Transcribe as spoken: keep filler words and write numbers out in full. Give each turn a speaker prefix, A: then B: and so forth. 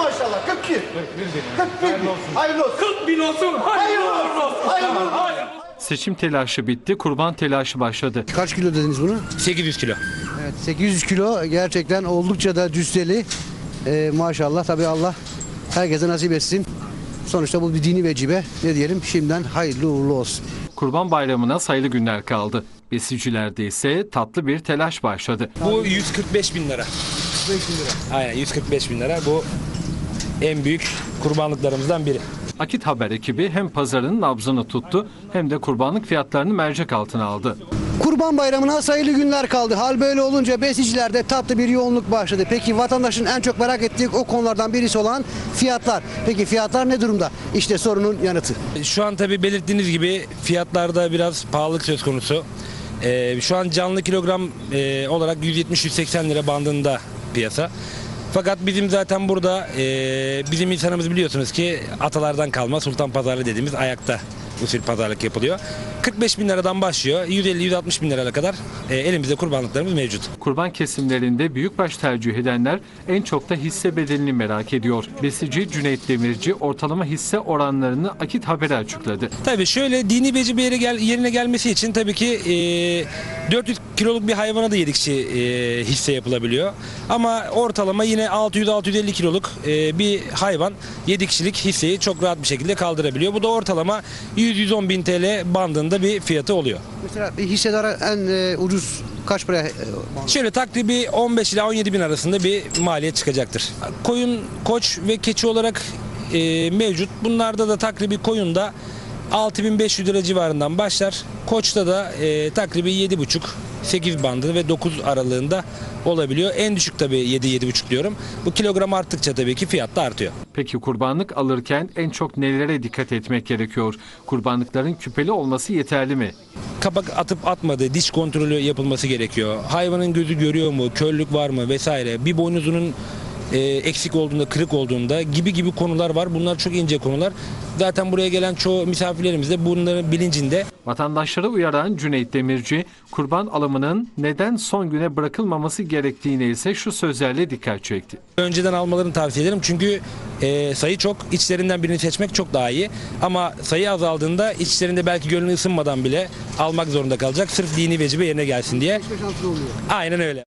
A: maşallah. kırk bir. kırk bir.
B: Hayırlı olsun.
A: Hayırlı olsun.
B: kırk bin olsun.
A: Hayırlı olsun. Hayırlı olsun.
C: Seçim telaşı bitti, kurban telaşı başladı.
D: Kaç kilo dediniz bunu?
B: sekiz yüz kilo.
D: Evet, sekiz yüz kilo gerçekten oldukça da cüsseli. Ee, maşallah tabii Allah herkese nasip etsin. Sonuçta bu bir dini vecibe. Ne diyelim, şimdiden hayırlı uğurlu olsun.
C: Kurban Bayramı'na sayılı günler kaldı. Besicilerde ise tatlı bir telaş başladı.
B: Bu yüz kırk beş bin lira. Aynen yüz kırk beş bin lira. Bu en büyük kurbanlıklarımızdan biri.
C: Akit Haber ekibi hem pazarın nabzını tuttu hem de kurbanlık fiyatlarını mercek altına aldı.
D: Kurban Bayramı'na sayılı günler kaldı. Hal böyle olunca besicilerde tatlı bir yoğunluk başladı. Peki vatandaşın en çok merak ettiği o konulardan birisi olan fiyatlar. Peki fiyatlar ne durumda? İşte sorunun yanıtı.
B: Şu an tabii belirttiğiniz gibi fiyatlarda biraz pahalılık söz konusu. Ee, şu an canlı kilogram e, olarak yüz yetmiş yüz seksen lira bandında piyasa. Fakat bizim zaten burada e, bizim insanımız biliyorsunuz ki atalardan kalma sultan pazarı dediğimiz ayakta usul pazarlık yapılıyor. kırk beş bin liradan başlıyor. yüz elli yüz altmış bin liraya kadar e, elimizde kurbanlıklarımız mevcut.
C: Kurban kesimlerinde büyükbaş tercih edenler en çok da hisse bedelini merak ediyor. Besici Cüneyt Demirci ortalama hisse oranlarını Akit Haber'e açıkladı.
B: Tabii şöyle dini vecibe yere gel, yerine gelmesi için tabii ki e, dört yüz kiloluk bir hayvana da yedi kişi e, hisse yapılabiliyor. Ama ortalama yine altı yüz altı yüz elli kiloluk e, bir hayvan yedi kişilik hisseyi çok rahat bir şekilde kaldırabiliyor. Bu da ortalama yüz yüz on bin T L bandında bir fiyatı oluyor.
D: Mesela bir hissedara en e, ucuz kaç paraya? E,
B: Şöyle takribi on beş ila on yedi bin arasında bir maliyet çıkacaktır. Koyun, koç ve keçi olarak e, mevcut. Bunlarda da takribi koyunda altı bin beş yüz lira civarından başlar. Koçta da e, takribi yedi buçuk sekiz bandı ve dokuz aralığında olabiliyor. En düşük tabii yedi yedi buçuk diyorum. Bu kilogram arttıkça tabii ki fiyat da artıyor.
C: Peki kurbanlık alırken en çok nelere dikkat etmek gerekiyor? Kurbanlıkların küpeli olması yeterli mi?
B: Kapak atıp atmadığı diş kontrolü yapılması gerekiyor. Hayvanın gözü görüyor mu, körlük var mı vesaire. Bir boynuzunun e, eksik olduğunda, kırık olduğunda gibi gibi konular var. Bunlar çok ince konular. Zaten buraya gelen çoğu misafirlerimiz de bunların bilincinde.
C: Vatandaşları uyaran Cüneyt Demirci, kurban alımının neden son güne bırakılmaması gerektiğine ise şu sözlerle dikkat çekti.
B: Önceden almalarını tavsiye ederim çünkü e, sayı çok, içlerinden birini seçmek çok daha iyi. Ama sayı azaldığında içlerinde belki gönlü ısınmadan bile almak zorunda kalacak. Sırf dini vecibe yerine gelsin diye. Aynen öyle.